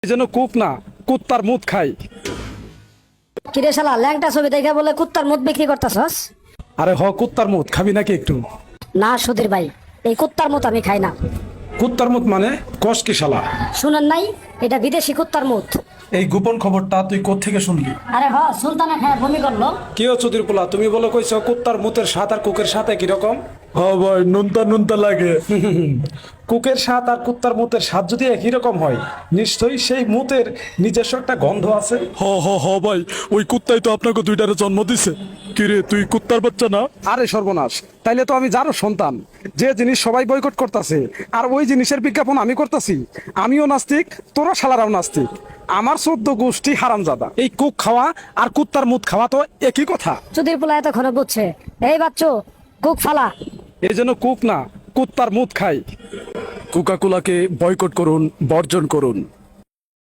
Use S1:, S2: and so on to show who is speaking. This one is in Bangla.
S1: এই জন্য কুক না, কুত্তার মুত খাই।
S2: কিরে শালা ল্যাংটা ছবি দেখে বলে কুত্তার মুখ বিক্রি করতেছস?
S1: আরে কুত্তার মুত খাবি নাকি একটু?
S2: না সুধীর ভাই, এই কুত্তার মুখ আমি খাই না।
S1: কুত্তার মুত মানে কস কি শালা?
S2: শুনেন নাই, এটা বিদেশি কুত্তার মুখ।
S1: এই গোপন খবরটা তুই কোত্থেকে শুনলি?
S2: আরে সুলতানা খায় বমি করলো।
S1: কি হচ্ছে চুদির পোলা, তুমি বলো কইছো কুত্তার মুতের স্বাদ আর কুকের সাথে কিরকম?
S3: হ্যাঁ ভাই, নুনতা নুনতা লাগে।
S1: কুকের স্বাদ আর কুত্তার মুতের স্বাদ যদি একই রকম হয়, নিশ্চয়ই সেই মুতের নিজস্ব একটা গন্ধ আছে।
S3: হ ভাই, ওই কুত্তাই তো আপনাকে দুইটারে জন্ম দিছে। কিরে, তুই কুত্তার বাচ্চা না?
S1: আরে সর্বনাশ, তাইলে তো আমি যারও সন্তান। যে জিনিস সবাই বয়কট করতেছে আর ওই জিনিসের বিজ্ঞাপন আমি করতেছি। আমিও নাস্তিক, তোরা শালারাও নাস্তিক। আমার 14 গোষ্ঠী হারামজাদা। এই কুক খাওয়া আর কুত্তার মুত খাওয়া তো একই কথা।
S2: সুধীর পোলা এতক্ষণে বুঝছে। এই বাচ্চু, কুক ফালা।
S1: এই জন্য কুক না, কুত্তার মুত খাই।
S3: কোকা কোলাকে বয়কট করুন, বর্জন করুন।